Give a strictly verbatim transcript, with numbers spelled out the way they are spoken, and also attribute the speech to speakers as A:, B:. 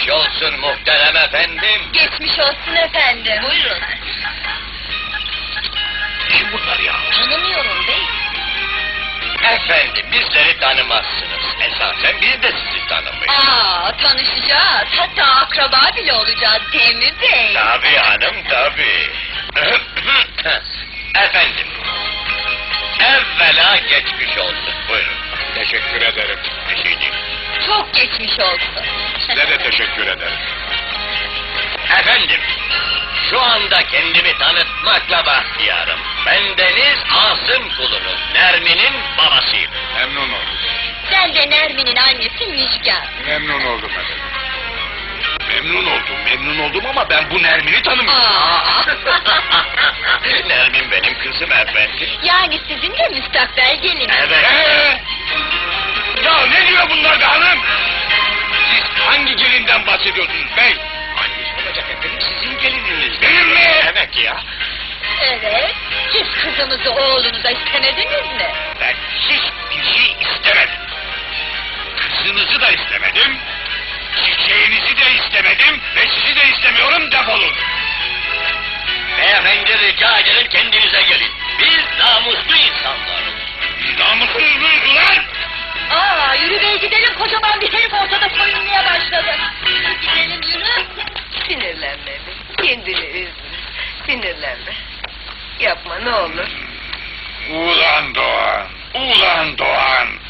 A: Geçmiş olsun muhterem efendim.
B: Geçmiş olsun efendim. Buyurun.
A: Kim bunlar ya?
B: Tanımıyorum bey.
A: Efendim bizleri tanımazsınız. Esasen biz de sizi tanımayız.
B: Aa, tanışacağız. Hatta akraba bile olacağız değil mi bey?
A: Tabii hanım tabii. Efendim. Evvela geçmiş olsun. Buyurun.
C: Teşekkür ederim.
A: Bir şey değil.
B: Çok geçmiş olsun.
C: Size de teşekkür ederim.
A: Efendim. Şu anda kendimi tanıtmakla bahtiyarım. Bendeniz Asım kulunuz. Nermin'in babasıyım.
C: Memnun oldum.
B: Ben de Nermin'in annesi Müjgan.
C: Memnun oldum efendim. Memnun oldum, memnun oldum ama ben bu Nermin'i tanımıyorum.
B: Aa.
A: Nermin benim kızım efendim.
B: Yani sizin de müstakbel geliniz.
A: Evet.
C: Ee? Ya ne diyor bunlar be hanım? Siz hangi gelinden bahsediyorsunuz bey?
A: Hangisi olacak efendim? Sizin gelininiz.
C: Benim mi?
A: Evet ya.
B: Evet. Siz kızımızı oğlunuza istemediniz mi?
C: Ben hiçbir şey istemedim. Kızınızı da istemedim. Çiçeğinizi de istemedim ve sizi de istemiyorum, defolun.
A: Beyefendi rica ederim kendinize gelin. Biz namuslu insanlarız.
C: Biz namussuz muyuz ulan?
B: Aa, yürü bey gidelim, kocaman bir herif ortada soyunmaya başladı. Gidelim yürü.
D: Sinirlenme be, kendini üzme, sinirlenme. Yapma ne olur.
C: Ulan Doğan, ulan Doğan.